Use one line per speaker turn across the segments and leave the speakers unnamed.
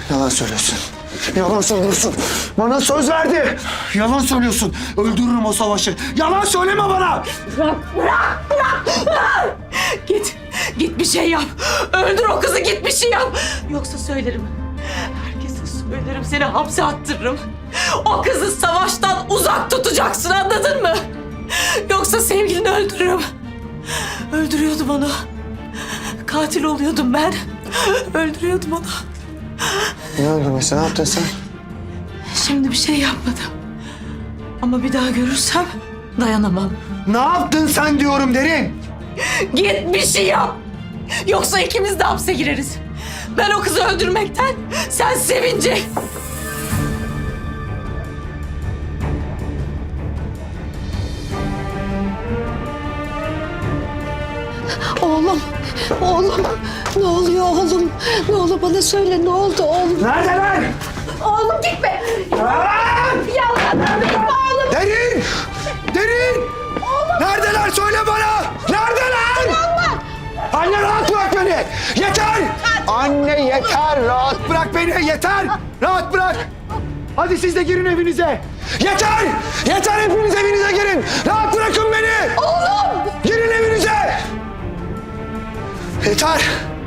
Yalan söylüyorsun. Yalan söylüyorsun. Bana söz verdi. Yalan söylüyorsun. Öldürürüm o savaşı. Yalan söyleme bana.
Bırak! Git bir şey yap. Öldür o kızı, git bir şey yap. Yoksa söylerim. Herkese söylerim, seni hapse attırırım. O kızı savaştan uzak tutacaksın, anladın mı? Yoksa sevgilini öldürürüm. Öldürüyordum onu. Katil oluyordum ben. Öldürüyordum onu.
Ne öldürmesi? Ne yaptın sen?
Şimdi bir şey yapmadım. Ama bir daha görürsem dayanamam.
Ne yaptın sen diyorum Derin.
Git bir şey yap. Yoksa ikimiz de hapse gireriz. Ben o kızı öldürmekten, sen sevince.
Oğlum, ne oluyor oğlum? Ne olur bana söyle, ne oldu oğlum?
Neredeler?
Oğlum gitme! Yalvarırım gitme oğlum!
Derin! Derin! Neredeler söyle bana! Neredeler? Anne rahat bırak beni! Yeter! Anne yeter! Rahat bırak beni! Yeter! Rahat bırak! Hadi siz de girin evinize! Yeter! Yeter hepiniz evinize girin! Rahat bırakın beni! Oğlum! Girin evinize! Yeter!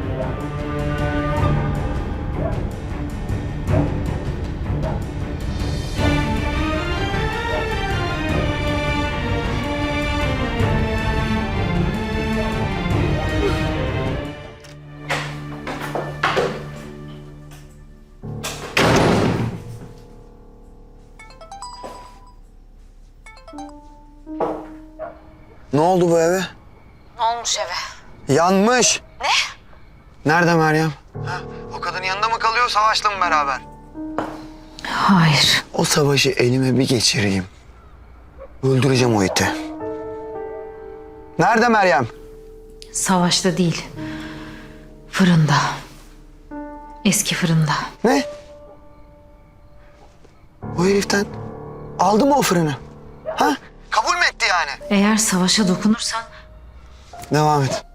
Ne oldu bu eve?
Ne olmuş eve?
Yanmış.
Ne?
Nerede Meryem? Ha, o kadın yanında mı kalıyor, Savaş'la mı beraber?
Hayır.
O savaşı elime bir geçireyim. Öldüreceğim o iti. Nerede Meryem?
Savaşta değil. Fırında. Eski fırında.
Ne? O heriften aldı mı o fırını? Ha? Kabul mü etti yani?
Eğer savaşa dokunursan
Devam et.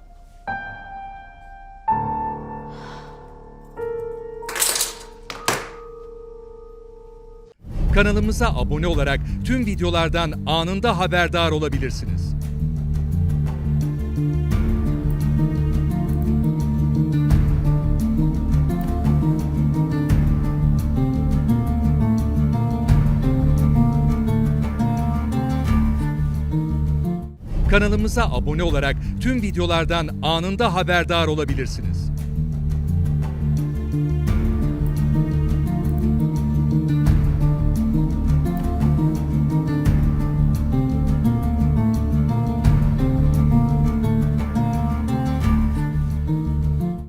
Kanalımıza abone olarak tüm videolardan anında haberdar olabilirsiniz. Kanalımıza abone olarak tüm videolardan anında haberdar olabilirsiniz.